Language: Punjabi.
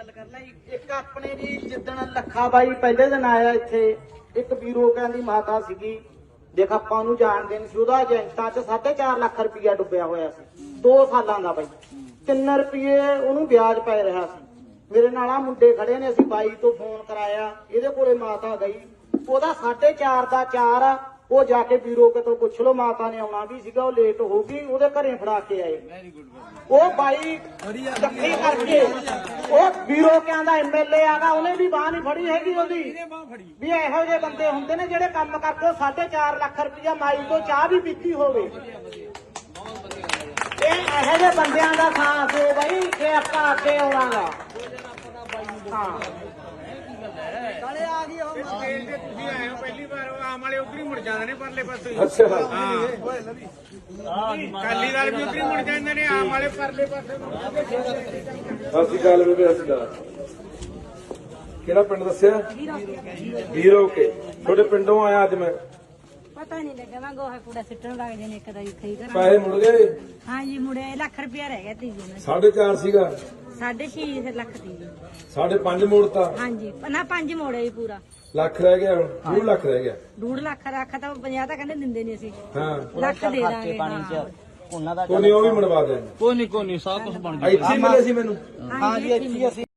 ਗੱਲ ਕਰ ਲੈ ਇੱਕ ਆਪਣੇ ਜੀ ਜਿੱਦਣ ਲੱਖਾ ਬਾਈ ਪਹਿਲੇ ਦਿਨ ਆਇਆ ਇੱਥੇ ਇੱਕ ਵੀਰੋ ਕਹਿੰਦੀ ਮਾਤਾ ਸੀਗੀ ਦੇਖ ਆਪਾਂ ਉਹਨੂੰ ਜਾਣਦੇ ਨਹੀਂ ਸੀ ਉਹਦਾ ਏਜੰਟਾਂ 'ਚ 4.5 ਲੱਖ ਰੁਪਇਆ ਡੁੱਬਿਆ ਹੋਇਆ ਸੀ 2 ਸਾਲਾਂ ਦਾ ਬਾਈ 3 ਰੁਪਏ ਉਹਨੂੰ ਵਿਆਜ ਪੈ ਰਿਹਾ ਸੀ ਮੇਰੇ ਨਾਲ ਆ ਮੁੰਡੇ ਖੜੇ ਨੇ ਅਸੀਂ ਬਾਈ ਤੋਂ ਫੋਨ ਕਰਾਇਆ ਇਹਦੇ ਕੋਲੇ ਮਾਤਾ ਗਈ ਉਹਦਾ 4.5 ਦਾ 4 ਆ ਉਹ ਜਾ ਕੇ ਵੀਰੋ ਕੋਲ ਪੁੱਛ ਲਓ ਮਾਤਾ ਨੇ ਆਉਣਾ ਵੀ ਸੀਗਾ ਉਹ ਲੇਟ ਹੋ ਗਈ ਉਹਦੇ ਘਰੇ ਫੜਾ ਕੇ ਆਏ ਉਹ ਬਾਈ ਇਕੱਠੀ ਕਰਕੇ ਉਹ ਵੀਰੋ ਕਹਿੰਦਾ ਐਮਐਲਏ ਆਗਾ ਉਹਨੇ ਵੀ ਬਾਹ ਨਹੀਂ ਫੜੀ ਹੈਗੀ ਉਹਦੀ ਵੀ ਇਹੋ ਜਿਹੇ ਬੰਦੇ ਹੁੰਦੇ ਨੇ ਜਿਹੜੇ ਕੰਮ ਕਰਕੇ 4.5 ਲੱਖ ਰੁਪਇਆ ਮਾਈ ਤੋਂ ਚਾਹ ਵੀ ਪੀਤੀ ਹੋਵੇ ਇਹ ਇਹੋ ਜਿਹੇ ਬੰਦਿਆਂ ਦਾ ਸਾਥ ਦਿਓ ਬਾਈ ਜੇ ਆਪਾਂ ਅੱਗੇ ਆਉਣਾਗਾ ਹਾਂ ਕਾਲੇ ਆ ਗਈ ਉਹ ਸਟੇਜ ਤੇ ਤੁਸੀਂ ਆਏ ਹੋ ਪਹਿਲੀ ਵਾਰ ਆਮ ਵਾਲੇ ਉਧਰ ਹੀ ਮੁੜ ਜਾਂਦੇ ਨੇ ਪਰਲੇ ਪਾਸੇ ਅੱਛਾ ਹਾਂ ਕਾਲੀ ਵਾਲੇ ਵੀ ਉਧਰ ਹੀ ਮੁੜ ਜਾਂਦੇ ਨੇ ਆਮ ਵਾਲੇ ਪਰਲੇ ਪਾਸੇ ਅਸੀਂ ਗੱਲ ਬੇਬੇ ਅਸੀਂ ਗੱਲ ਕਿਹੜਾ ਪਿੰਡ ਦੱਸਿਆ ਵੀਰੋ ਕੇ ਤੁਹਾਡੇ ਪਿੰਡੋਂ ਆਇਆ ਅੱਜ ਮੈਂ ਪਤਾ ਨਹੀਂ ਲੱਗਾ ਮੈਂ ਗੋਹਾ ਕੂੜਾ ਸਿੱਟਣ ਲੱਗ ਜਾਨੇ ਇੱਕ ਦਾ ਖਈ ਕਰ ਪੈਸੇ ਮੁੜ ਗਏ ਹਾਂ ਜੀ ਮੁੜੇ ਲੱਖ ਰੁਪਇਆ ਰਹਿ ਗਿਆ ਤੀਜੇ ਨਾਲ 4.5 ਸੀਗਾ 6.5 ਲੱਖ ਦੀ 5.5 ਮੋੜਤਾ ਹਾਂਜੀ ਨਾ 5 ਮੋੜੇ ਹੀ ਪੂਰਾ ਲੱਖ ਰਹਿ ਗਿਆ ਹੁਣ 2 ਲੱਖ ਰਹਿ ਗਿਆ 2 ਲੱਖ ਰੱਖ ਤਾਂ 50 ਤਾਂ ਕਹਿੰਦੇ ਦਿੰਦੇ ਨਹੀਂ ਅਸੀਂ ਹਾਂ ਲੱਖ ਦੇ ਦਾਂਗੇ ਉਹਨਾਂ ਦਾ ਕੋਈ ਨੀ ਉਹ ਵੀ ਮਨਵਾ ਦੇ ਕੋਈ ਨਹੀਂ ਸਭ ਕੁਝ ਬਣ ਇੱਥੇ ਹੀ ਮਿਲੇ ਸੀ ਮੈਨੂੰ ਹਾਂ ਜੀ ਇੱਥੇ ਅਸੀਂ